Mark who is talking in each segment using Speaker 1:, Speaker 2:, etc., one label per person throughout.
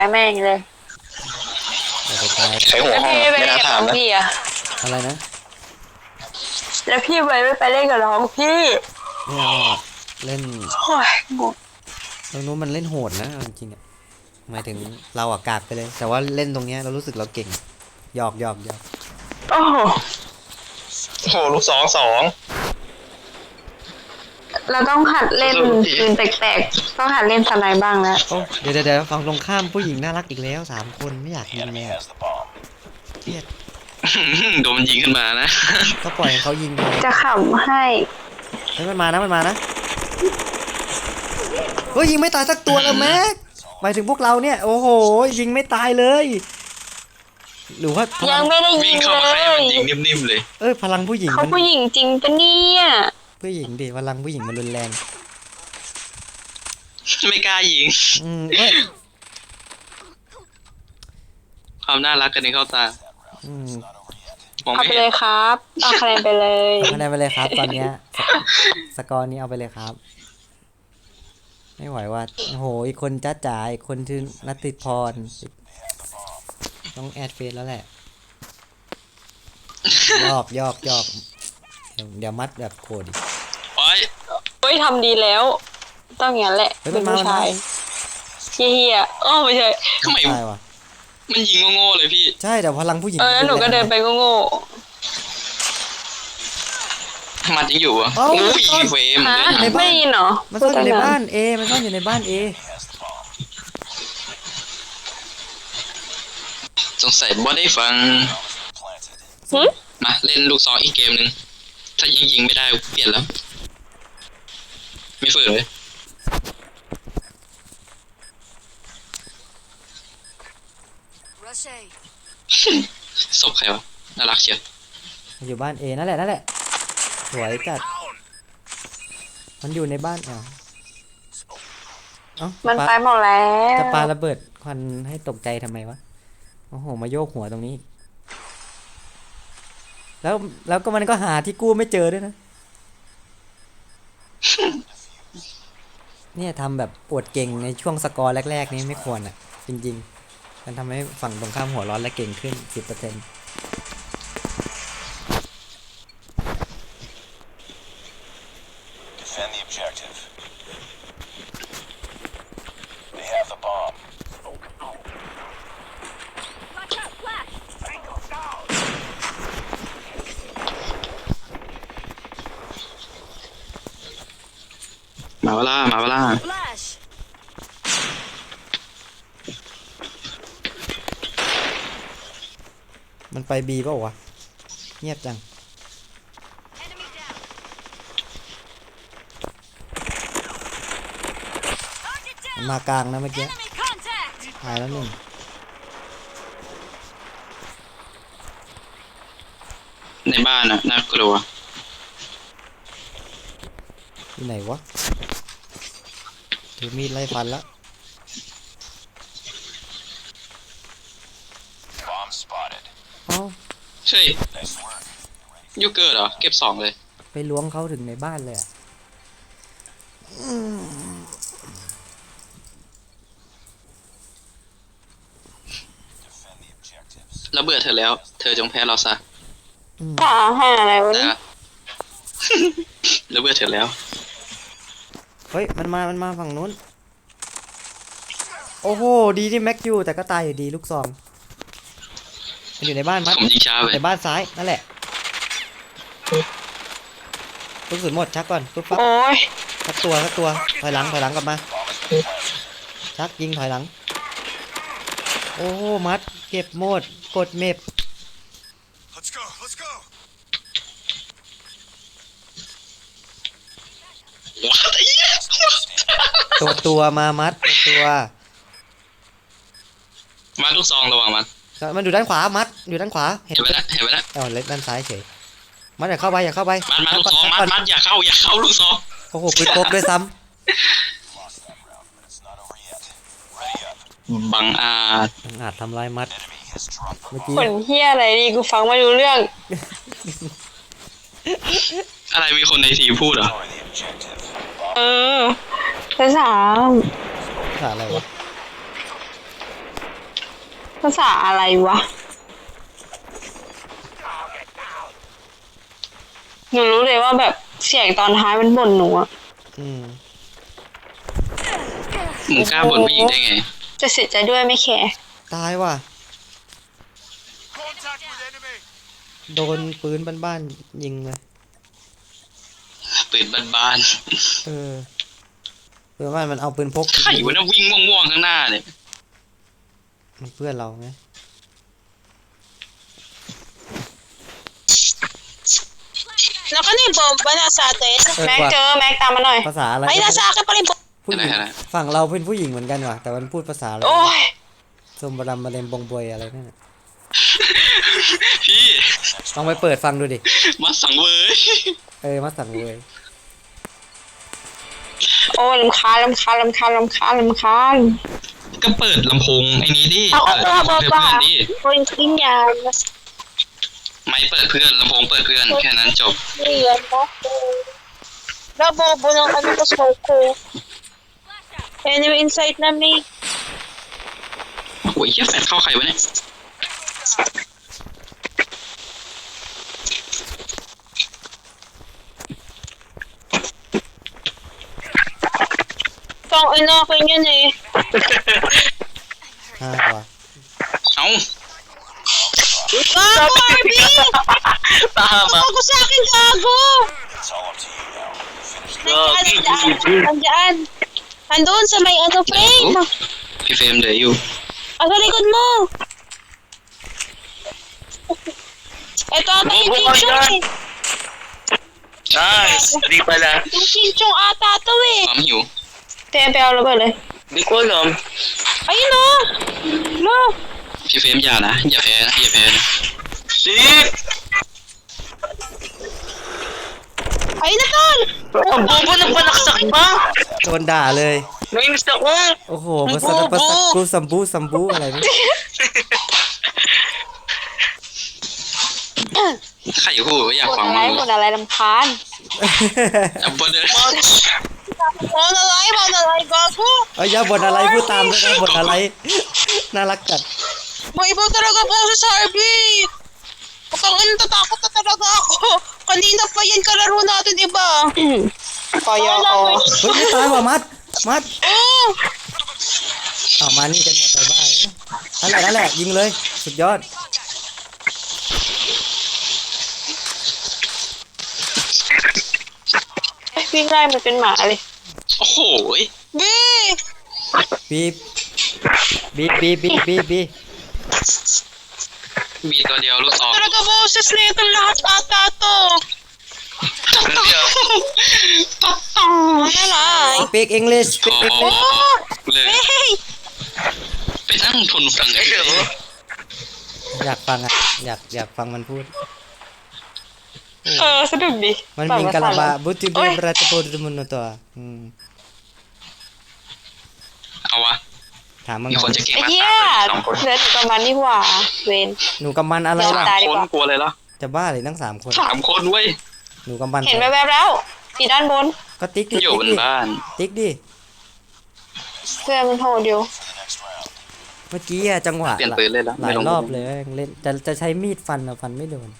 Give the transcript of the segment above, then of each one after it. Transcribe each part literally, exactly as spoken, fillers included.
Speaker 1: แม่งเลย
Speaker 2: อย่าไปตาย
Speaker 3: ใช้หัว
Speaker 1: แล้ว
Speaker 3: ห้อง
Speaker 1: พี่ไป
Speaker 3: ไม่
Speaker 1: เล่น
Speaker 3: น่า
Speaker 1: กับ
Speaker 3: ถา
Speaker 1: น้
Speaker 3: ม
Speaker 1: อง
Speaker 3: นะ
Speaker 1: พี่อะ
Speaker 2: อะไรนะ
Speaker 1: แล้วพี่ไปไม่ไปเล่นกับน้องพี่
Speaker 2: ไม่เอาอะเล่น
Speaker 1: โอ้ยงง
Speaker 2: ตรงนู้นมันเล่นโหดนะจริงๆอะหมายถึงเราอะกากไปเลย แต่ว่าเล่นตรงเนี้ยเรารู้สึกเราเก่งหยอกหยอกหยอก
Speaker 1: โอ้โห
Speaker 3: โอ้โหลูกสองสอง
Speaker 1: เราต้องหัดเล่นปืนแปลกๆต้องหัดเล่นสไนบ้างแล้ว
Speaker 2: โอ้เดี๋ยวเดี๋ยวเดี๋ยวฟังตรงข้ามผู้หญิงน่ารักอีกแล้วสามคนไม่อยากยิงเลยอะเครียด
Speaker 3: โดนมันยิงขึ้นมานะ
Speaker 2: ก็ปล่อยให้เขายิงไป
Speaker 1: จะขำให้
Speaker 2: เฮ้ยมันมานะมันมานะเฮ้ยยิงไม่ตายสักตัวเลยแม็กหมายถึงพวกเราเนี่ยโอ้โหยิงไม่ตายเลยหรือว่าพ
Speaker 1: ยั
Speaker 2: ลั
Speaker 1: ง
Speaker 2: ง
Speaker 1: ไม่ได้ยิ
Speaker 3: วิ่ง
Speaker 1: ง
Speaker 3: เข้า
Speaker 1: เล
Speaker 3: มาใครมัน
Speaker 1: ย
Speaker 3: ยิงนิ่มๆเลย
Speaker 2: เอ้ยพลังผู้หญิง
Speaker 1: เขา
Speaker 2: มัน
Speaker 1: ผู้หญิงจริงปะเนี่ย
Speaker 2: ผู้หญิงดิพลังผู้หญิงมันรุนแรง
Speaker 3: ไม่กล้ายิง
Speaker 2: อืมเอ้ย
Speaker 3: ความน่ารักกันในเข้าตา
Speaker 2: อืม
Speaker 3: มอง
Speaker 1: เอา
Speaker 3: ไม่
Speaker 1: ไป
Speaker 3: เห็
Speaker 1: เล
Speaker 3: น
Speaker 1: ยครับเอาคะแนนไปเลย
Speaker 2: เอาคะแนนไปเลยครับ ตอนเนี้ยสกสกอร์นี้เอาไปเลยครับ ไม่ไหวว่าโอ้โหอีกคนจ้าจ๋าอีกคนชื่อนัทติพรต้องแอดเฟซแล้วแหละยอกยอกยอกเดี๋ยวเดี๋ยวมัดแบบโคตรดิ
Speaker 3: โอ้ย
Speaker 1: เฮ้ยทำดีแล้ว ต้องอย่างนั้นแหละ
Speaker 2: เฮ้ย
Speaker 1: เป็
Speaker 2: มัน นมา
Speaker 1: ผู้
Speaker 2: มันมา
Speaker 1: ชายเฮียๆอ้อไม่ใช่
Speaker 3: ทำไม
Speaker 2: ตายว่ะ
Speaker 3: มันยิงโง่ๆเลยพี่
Speaker 2: ใช่แต่พลังผู้หญิง
Speaker 1: เออแล้วหนูก็เดินไปโง่
Speaker 3: มันยังอยู่อ่ะ
Speaker 2: เอ้า
Speaker 3: โอ้ย
Speaker 2: มันซ่อน
Speaker 3: เฟรม
Speaker 1: ๆฮะ
Speaker 3: เดินหา
Speaker 1: ไม่ได้ยินเหรอ
Speaker 2: มันซ่อนอยู่ในบ้านเอมันซ่อนอยู่ในบ้านเอ
Speaker 3: สงสัยว่าได้ฟัง
Speaker 1: หึ
Speaker 3: มาเล่นลูกซองอีกเกมหนึ่งถ้ายิงยิงไม่ได้เปลี่ยนแล้ว ไม่ฝืนเลยศพใครวะน่ารักเชียว
Speaker 2: มันอยู่บ้านเอนั่นแหละนั่นแหละสวยจัดมันอยู่ในบ้านอ่ะเอ้า
Speaker 1: มัน
Speaker 2: ปา
Speaker 1: ไปหมดแล้ว
Speaker 2: จะปาระเบิดควันให้ตกใจทำไมวะโอ้โหมาโยกหัวตรงนี้ แล้วแล้วก็มันก็หาที่กู้ไม่เจอด้วยนะ เนี่ยทำแบบอวดเก่งในช่วงสกอร์แรกๆนี้ไม่ควรอ่ะ จริงๆมันทำให้ฝั่งตรงข้ามหัวร้อนและเก่งขึ้น สิบเปอร์เซ็นต์
Speaker 4: Defend the objective. They have the bomb.
Speaker 3: มาเวลามาเวลา
Speaker 2: มันไปบีเปล่าวะเงียบจังมันมากลางนะเมื่อกี้หายแล้วหนึ่ง
Speaker 3: ในบ้านอ่ะน่ากลัว
Speaker 2: อยู่ไหนวะถือมีดไล่ฟันแล้ว
Speaker 4: Bomb spotted.
Speaker 2: เอ้า
Speaker 3: ใช่
Speaker 4: Nice work.
Speaker 3: ยูเกิร์เหรอเก็บสองเลย
Speaker 2: ไปล้วงเขาถึงในบ้านเลยอ่ะ
Speaker 4: Defend the objectives.
Speaker 3: เราเบื่อเธอแล้ว เธอจงแพ้เราซะ
Speaker 1: หาหาอะไรวะ
Speaker 3: นะ
Speaker 1: เนี่ย
Speaker 3: เราเบื่อเธอแล้ว
Speaker 2: เฮ้ยมันมามันมาฝั่งนู้นโอ้โหดีที่แม็กอยู่แต่ก็ตายอยู่ดีลูกซองมันอยู่ในบ้านมัด
Speaker 3: ผมยิงช้าไป
Speaker 2: ในบ้านซ้ายนั่นแหละลูกสุดหมดชักก่อนปุ๊บปั๊บ
Speaker 1: โอ้ย
Speaker 2: ชักตัวชักตัวถอยหลังถอยหลังกลับมา ชักยิงถอยหลังโอ้โหมัดเก็บหมดกดเมฟ
Speaker 4: Let's go. Let's go.
Speaker 3: ว้าวไอ้เหี้ย
Speaker 2: ตัวตัวมามัดตัวตัว
Speaker 3: มาลูกซองระวังมัน
Speaker 2: มันอยู่ด้านขวามัดอยู่ด้านขวาเห็น
Speaker 3: เห็นไหมนะเห็นไหมนะ
Speaker 2: เอ้าเล็กด้านซ้ายเฉยมัดอย่าเข้าไปอย่าเข้าไป
Speaker 3: มัดมาลูกซอง
Speaker 2: ชั
Speaker 3: มัด
Speaker 2: ก่อน
Speaker 3: มัดอย่าเข้าอย่าเข้าลูกซอง
Speaker 2: โอ้โหปืนพกด้วยซ้
Speaker 4: Lost that round, but it's not over yet. Ready up.
Speaker 3: บังอาจ
Speaker 2: ำอาจทำลายมัด
Speaker 4: Enemy has dropped the
Speaker 2: เมื่อ
Speaker 4: bomb.
Speaker 2: กี้
Speaker 1: ผลเฮียอะไรดีกูฟังไม่รู้เรื่อง
Speaker 3: อะไรมีคนในทีมพูดเหรอ
Speaker 4: Destroy the objective.
Speaker 1: เออภาษาม
Speaker 2: ขาอะไรวะ
Speaker 1: ภาษาอะไรวะหนูรู้เลยว่าแบบเสียงตอนท้ายมันบ่นหนูอะ
Speaker 2: อืม
Speaker 3: มึงกล้าบ่นผู้หญิงได้ไง
Speaker 1: จะเสียใจด้วยไม่แคร์
Speaker 2: ตายว่ะ
Speaker 4: Contact with enemy.
Speaker 2: โดนปืนบ้านๆยิงเลย
Speaker 3: ปืนบ้าน
Speaker 2: เออปืนบ้านมันเอาปืนพก
Speaker 3: ๆใครวะนะวิ่งม่วงๆข้างหน้าเนี่ย
Speaker 2: มันเพื่อนเราไง
Speaker 5: Naka na yung bomba nasa atin.
Speaker 2: เออ
Speaker 1: แม็ก
Speaker 2: ว่ะ
Speaker 1: เจอแม็กตามมาหน่อย
Speaker 2: ภาษาอะไร
Speaker 5: Ay, nasa akin pa rin bomba.
Speaker 2: ผู้ห
Speaker 3: อะไร
Speaker 2: ญิง
Speaker 3: อะไร
Speaker 2: ฝั่งเราเป็นผู้หญิงเหมือนกันว่ะ แต่มันพูดภาษาอะไร
Speaker 1: โอ้ย
Speaker 2: สมบรมมาเลมบงบวยอะไรนั่นน่ะ
Speaker 3: พี่
Speaker 2: ลองไปเปิดฟังดูดิ
Speaker 3: มาสังเวย
Speaker 2: เออ มาสั่งเลย
Speaker 1: โอ้ยลำคาญลำคาญลำคาญลำคาญลำคาญ
Speaker 3: ก็เปิดลำโพงไอ้นี้ดิ
Speaker 5: Ako
Speaker 3: เปิด
Speaker 5: ba
Speaker 3: ลำโพงเพื่อน
Speaker 5: ba?
Speaker 3: ดิ
Speaker 5: Point din yan.
Speaker 3: ไม่เปิดเพื่อนลำโพงเปิดเพื่อนแค่นั้นจบ
Speaker 5: Yan, no? Nabobo ng ano ko smoke ko. Anyway, inside na may.
Speaker 3: โอ้ยเหี้ยแฟดเข้าใครวะเนี่ย
Speaker 5: Pang ano akin yun eh.
Speaker 2: ห้าว่ะ
Speaker 3: เอ้า
Speaker 5: Gago, Arby!
Speaker 3: ตามอ่ะ
Speaker 5: Gago sa akin, gago!
Speaker 4: It's all up to you now. Finish
Speaker 5: Nandiyan, nandiyan. Andun sa may ano, frame.
Speaker 3: พี่เฟรมเหลืออยู่
Speaker 5: Ah, sa likod mo. Ito ata yung chinchong eh.
Speaker 6: Nice! Di pala.
Speaker 5: Yung chinchong ata to eh.
Speaker 3: ความหิว
Speaker 1: เตรียมไปเอาระเบิดเลย
Speaker 6: Di ko alam.
Speaker 5: Ayun o. No.
Speaker 3: พี่เฟรมอย่านะ อย่าแพ้นะ อย่าแพ้นะ
Speaker 6: Shit!
Speaker 5: Ayun na tol.
Speaker 6: Ang bobo ng panaksak ba?
Speaker 2: โดนด่าเลย
Speaker 6: Nainis ako.
Speaker 2: โอ้โหภาษาภาษากูสัมบูสัมบูอะไรนี่
Speaker 3: ใครพูดว่าอยาก
Speaker 1: บ่น
Speaker 3: ฟัง
Speaker 1: อะไร
Speaker 3: มั้ง
Speaker 1: บ่นอะไรลำคาญ
Speaker 3: อ่ะบ่นเลย
Speaker 5: Mau na live, mau na live, gago.
Speaker 2: เอ้ยอย่าบ่นอะไรพูดตามด้วยนะบ่นอะไร น่ารักจัด
Speaker 5: May iba talaga po si Sarby. Putang ina, tatakot na talaga ako. Kanina pa yan kalaro natin, di ba?
Speaker 1: ปอยอ
Speaker 2: เฮ้ยไม่ตายว่ะมัด มัด
Speaker 5: Oh!
Speaker 2: เอามานี่กันหมดเลยบ้าเอ้ยนั่นแหละนั่นแหละยิงเลย สุดยอด
Speaker 1: วิ่งไล่มันเป็นหมาเลย
Speaker 3: โอ้โหย
Speaker 5: B!
Speaker 2: บีบบีบบีบบีบบีบบีบ
Speaker 3: มีตัวเดียวลูกซอง
Speaker 5: Talaga boses na ito lahat ata to. Ano lang?
Speaker 2: speak English
Speaker 3: พอ
Speaker 2: speak
Speaker 3: พอ
Speaker 2: English
Speaker 3: พอเลย
Speaker 5: Hey!
Speaker 3: ไปนั่งทนฟังกันเลย
Speaker 2: อยากฟังอ่ะ อยากอยากฟังมันพูด
Speaker 1: เออสนุกดี
Speaker 2: มัน
Speaker 1: ฟัง
Speaker 2: มี
Speaker 1: ภษ
Speaker 2: กะลาบา
Speaker 1: อะไร
Speaker 2: บุตร
Speaker 1: โอ้
Speaker 2: บี
Speaker 1: ย
Speaker 2: บรัตโปรดมุนตัวอืม
Speaker 3: เอาวะ
Speaker 2: ถามมึง
Speaker 3: มีคนจะเก่ง
Speaker 1: ไอ้
Speaker 3: มา
Speaker 1: เหี้ย
Speaker 3: สามคนสองคน
Speaker 1: เหลือหนูกับมันนี่หว่า เวน
Speaker 2: หนูกำมันอะไรล่ะ
Speaker 1: ตายดี
Speaker 3: คน
Speaker 1: กว่า
Speaker 3: กลัวเลยเหรอ
Speaker 2: จะบ้าเลยทั้งสามคน
Speaker 3: สามคนเว้ย
Speaker 2: หนูกำมัน
Speaker 1: เห็นแวบๆแล้วที่ด้านบน
Speaker 2: ก็ติ๊กดิ
Speaker 3: อยู่
Speaker 2: ติ๊ก
Speaker 3: บน
Speaker 2: ดิ
Speaker 3: บ้าน
Speaker 2: ติ๊กดิ
Speaker 1: เพื่อนมันโหดอยู่
Speaker 2: เมื่อกี้อะจังหวะ
Speaker 3: เปลี่ยนปืนเลยละ
Speaker 2: หลายรอบเลยเล่นจะจะใช้มีดฟันอะฟันไม่โดน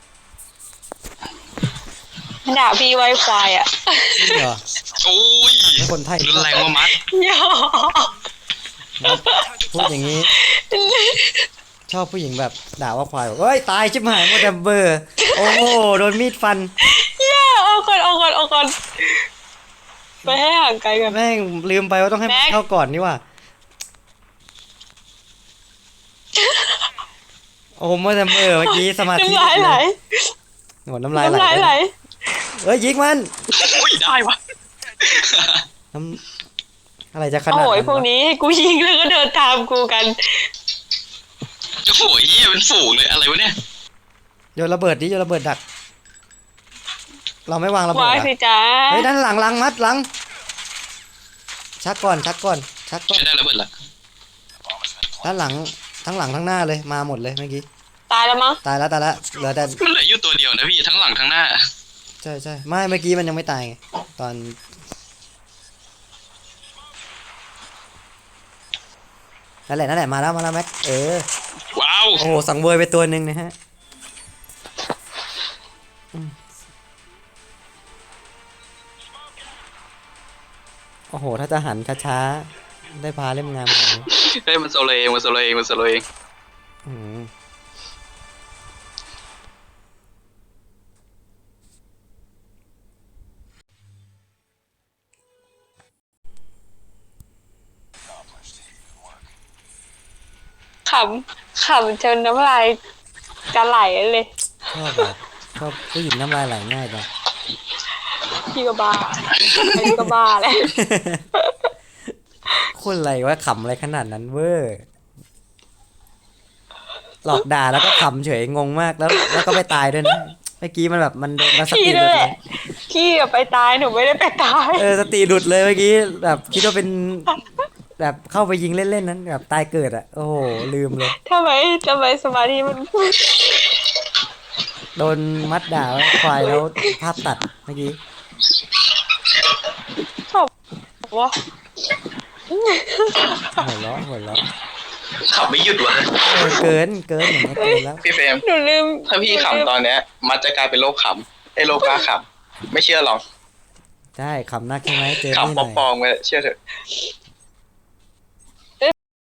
Speaker 1: มันด่าพี่ไวควายอ่ะ
Speaker 2: นี่เหรอ
Speaker 3: โอ้ย
Speaker 2: แล้วคนไทย
Speaker 3: รุนแรงว่ามัด
Speaker 1: ยอ
Speaker 2: มัดพูดอย่างนี้ ชอบผู้หญิงแบบด่าว่าควายบอกเฮ้ย ตายชิบหายหมดแต่เบอร์ โอ้โหโดนมีดฟัน
Speaker 1: ย่าเอาก่อนเอาก่อนเอาก่อนไปให้ห่างไกลกัน
Speaker 2: แม่งลืมไปว่าต้องให้มัน
Speaker 1: แม็ก
Speaker 2: เข้าก่อนนี่ว่าโอ้โหหมดแต่เบอร์เมื่อกี้สมาธิ
Speaker 1: น้ำลายไหล
Speaker 2: หมดน้ำลายไหล
Speaker 1: น้ำลายไหล
Speaker 2: เฮ้ยยิงมัน
Speaker 3: โอ้ยได้วะ
Speaker 2: น้ำอะไรจะขนาด
Speaker 1: โอ้ย
Speaker 2: นั้น
Speaker 1: พวก
Speaker 2: วะ
Speaker 1: นี้ให้กูยิงแล้วก็เดินตามกูกัน
Speaker 3: โอ้โหเหี้ยเป็นฝูงเลยอะไรวะเนี่ย
Speaker 2: โยนระเบิดดิโยนระเบิดดัก เราไม่วางระเบิด
Speaker 1: วาย
Speaker 2: อะ
Speaker 1: สิจ้า
Speaker 2: เฮ้ยด้านหลังหลังมัดหลัง ชักก่อนชักก่อนชักก่อน
Speaker 3: ใช้ได้ระเบิดละ
Speaker 2: ด้านหลังทั้งหลังทั้งหน้าเลยมาหมดเลยเมื่อกี้
Speaker 1: ตายแล้วมั้ง
Speaker 2: ตายแล้วตายแล้วเหลือแต่
Speaker 3: มันเหลืออยู่ตัวเดียวนะพี่ทั้งหลังทั้งหน้า
Speaker 2: ใช่ใช่ไม่เมื่อกี้มันยังไม่ตายไงตอนนั่นแหละนั่นแหละมาแล้วมาแล้วแม็กเออ
Speaker 3: ว้าว
Speaker 2: โอ้โหสังเวยไปตัวหนึ่งนะฮะอืมโอ้โหถ้าจะหันช้าๆได้พาเล่มงามขนาดนี้
Speaker 3: เฮ้ยมันโซโลเองมันโซโลเองมันโซโลเอง
Speaker 2: อืม
Speaker 1: ขำขำจนน้ำลายจะไหลเลย
Speaker 2: ชอบแบบชอบผู้หญิงน้ำลายไหลง่ายจัง
Speaker 1: พี่ก็บ้าพี่ก็บ้าแหละ
Speaker 2: คนอะไรวะขำอะไรขนาดนั้นเวอร์หลอกด่าแล้วก็ขำเฉยงงมากแล้ว แล้วก็ไปตายด้วยนะเมื่อกี้มันแบบมันมันส
Speaker 1: พี่
Speaker 2: ติห
Speaker 1: ด้
Speaker 2: ลุ
Speaker 1: วย
Speaker 2: ด
Speaker 1: แห
Speaker 2: เล
Speaker 1: ละ
Speaker 2: ย
Speaker 1: พี่อะไปตายหนูไม่ได้ไปตาย
Speaker 2: เออสติหลุดเลยเมื่อกี้แบบคิดว่าเป็นแบบเข้าไปยิงเล่นๆนั้นแบบตายเกิดอ่ะโอ้โหลืมเลย
Speaker 1: ทำไมทำไมสมาธิมัน
Speaker 2: โดนมัดด่าไว้ควายแล้วภาพตัดเมื่อกี้
Speaker 1: ชอบวะ
Speaker 2: หัวเราะหัวเราะ
Speaker 3: ขับไม่หยุดวะ
Speaker 2: เออเกินเกินอย่างนี้ยเกินแล้ว
Speaker 3: พี่เฟรม
Speaker 1: หนูลืม
Speaker 3: ถ้าพี่ขำตอนเนี้ย มันจะกลายเป็นโรคขำไอ้โรคกล้าขำไม่เชื่อหรอก
Speaker 2: ได้ขำนักใช่ไหมเจอนี่หน่
Speaker 3: ขำป
Speaker 2: อย
Speaker 3: ลอมๆไปเชื่อเถอะ